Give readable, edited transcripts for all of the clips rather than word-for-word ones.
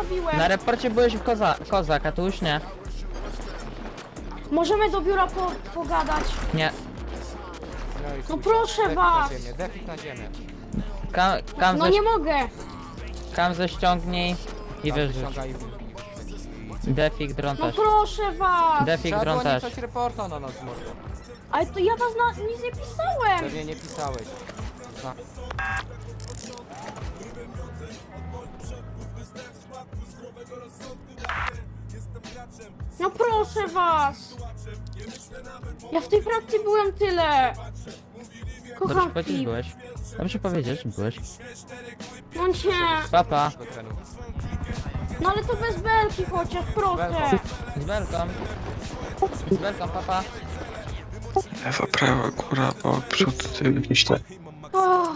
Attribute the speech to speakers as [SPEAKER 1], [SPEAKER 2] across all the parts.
[SPEAKER 1] zrobiłem.
[SPEAKER 2] Na reporcie byłeś w kozak, a tu już nie.
[SPEAKER 1] Możemy do biura pogadać.
[SPEAKER 2] Nie.
[SPEAKER 3] No, i
[SPEAKER 1] No
[SPEAKER 3] chuj.
[SPEAKER 1] proszę
[SPEAKER 3] Defik
[SPEAKER 1] was.
[SPEAKER 3] na ziemię, defik na ziemię.
[SPEAKER 1] No nie mogę.
[SPEAKER 2] Kamzę ściągnij i
[SPEAKER 3] Tam
[SPEAKER 2] wyrzuć.
[SPEAKER 3] wyciąga i-
[SPEAKER 2] Defik, dron
[SPEAKER 1] No
[SPEAKER 2] też.
[SPEAKER 1] proszę was.
[SPEAKER 2] Defik,
[SPEAKER 3] Trzeba
[SPEAKER 2] dron
[SPEAKER 3] było nie
[SPEAKER 2] też.
[SPEAKER 3] pisać reporta na nas może.
[SPEAKER 1] Ale to ja was nic nie pisałem.
[SPEAKER 3] Pewnie nie pisałeś. Za-
[SPEAKER 1] No proszę was. Ja w tej pracy byłem tyle.
[SPEAKER 2] Dobrze
[SPEAKER 1] Kocham
[SPEAKER 2] powiedzieć
[SPEAKER 1] Filip.
[SPEAKER 2] byłeś. Dobrze powiedzieć byłeś.
[SPEAKER 1] No nie.
[SPEAKER 2] Papa.
[SPEAKER 3] do trenu.
[SPEAKER 1] No ale to bez belki chociaż, proszę.
[SPEAKER 2] Z belką. Z belką, papa.
[SPEAKER 4] Lewa, prawa, góra, bok, przód, tył, jakiś tak.
[SPEAKER 1] Oh.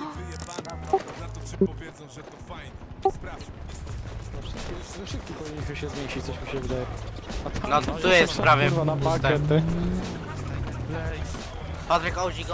[SPEAKER 5] Szybko powinniśmy się zmieścić, coś mi się wydaje.
[SPEAKER 6] No tu jest prawie
[SPEAKER 5] Kurwa, na
[SPEAKER 6] puste.
[SPEAKER 5] pakiet, ty.
[SPEAKER 6] Patryk OG go.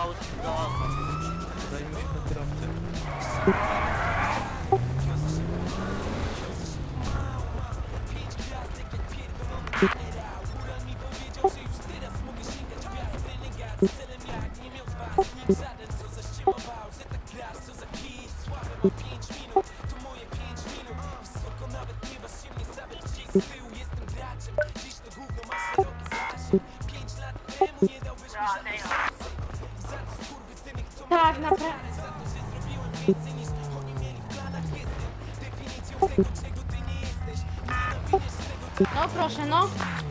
[SPEAKER 1] Tak, naprawdę. No proszę, no.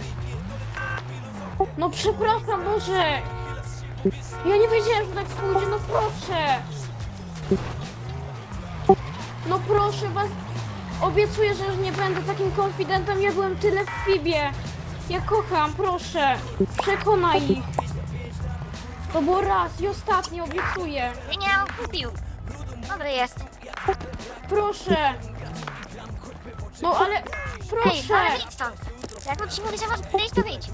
[SPEAKER 1] No przepraszam, może. Ja nie wiedziałem, że tak pójdzie, no proszę. No proszę was. Obiecuję, że już nie będę takim konfidentem. Ja byłem tyle w Fibie. Ja kocham, proszę. Przekonaj ich. To było raz i ostatni, obiecuję.
[SPEAKER 7] Nie, on kupił. Dobry jest.
[SPEAKER 1] Proszę. No ale...
[SPEAKER 7] Ej,
[SPEAKER 1] Proszę.
[SPEAKER 7] ale wyjdź stąd. Jak on ci mówi, że masz wyjść, to wyjdź.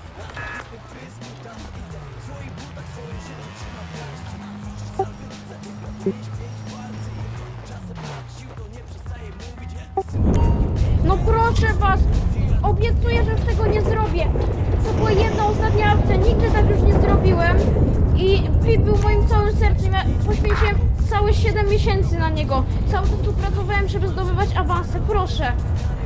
[SPEAKER 1] No proszę was. Obiecuję, że już tego nie zrobię. To była jedna ostatnia akcja. Nigdy tak już nie zrobiłem. I Pip był moim całym sercem. Ja poświęciłem całe 7 miesięcy na niego. Cały czas tu pracowałem, żeby zdobywać awanse. Proszę.